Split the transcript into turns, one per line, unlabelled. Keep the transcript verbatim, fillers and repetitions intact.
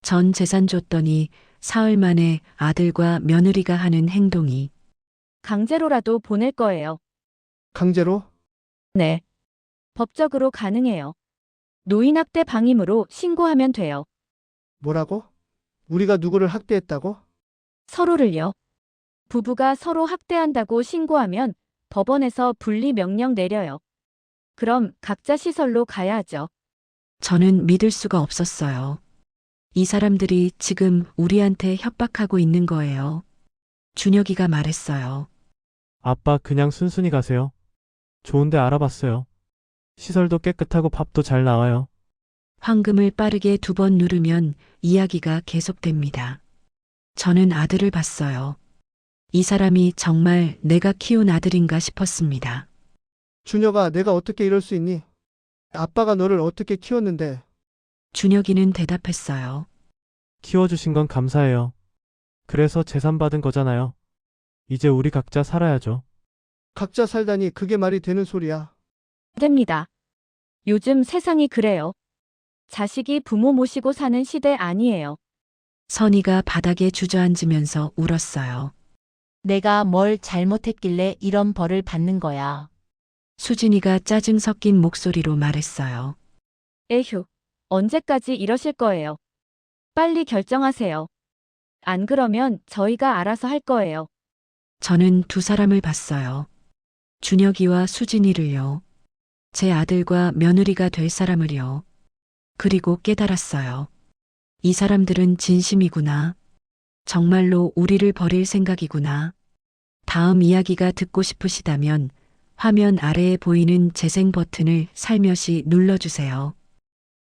전 재산 줬더니 사흘 만에 아들과 며느리가 하는 행동이
강제로라도 보낼 거예요.
강제로?
네. 법적으로 가능해요. 노인학대 방임으로 신고하면 돼요.
뭐라고? 우리가 누구를 학대했다고?
서로를요. 부부가 서로 학대한다고 신고하면 법원에서 분리 명령 내려요. 그럼 각자 시설로 가야 하죠.
저는 믿을 수가 없었어요. 이 사람들이 지금 우리한테 협박하고 있는 거예요. 준혁이가 말했어요.
아빠 그냥 순순히 가세요. 좋은데 알아봤어요. 시설도 깨끗하고 밥도 잘 나와요.
황금을 빠르게 두 번 누르면 이야기가 계속됩니다. 저는 아들을 봤어요. 이 사람이 정말 내가 키운 아들인가 싶었습니다.
준혁아, 내가 어떻게 이럴 수 있니? 아빠가 너를 어떻게 키웠는데.
준혁이는 대답했어요.
키워주신 건 감사해요. 그래서 재산 받은 거잖아요. 이제 우리 각자 살아야죠.
각자 살다니 그게 말이 되는 소리야.
됩니다. 요즘 세상이 그래요. 자식이 부모 모시고 사는 시대 아니에요.
선이가 바닥에 주저앉으면서 울었어요.
내가 뭘 잘못했길래 이런 벌을 받는 거야.
수진이가 짜증 섞인 목소리로 말했어요.
에휴, 언제까지 이러실 거예요. 빨리 결정하세요. 안 그러면 저희가 알아서 할 거예요.
저는 두 사람을 봤어요. 준혁이와 수진이를요. 제 아들과 며느리가 될 사람을요. 그리고 깨달았어요. 이 사람들은 진심이구나. 정말로 우리를 버릴 생각이구나. 다음 이야기가 듣고 싶으시다면 화면 아래에 보이는 재생 버튼을 살며시 눌러주세요.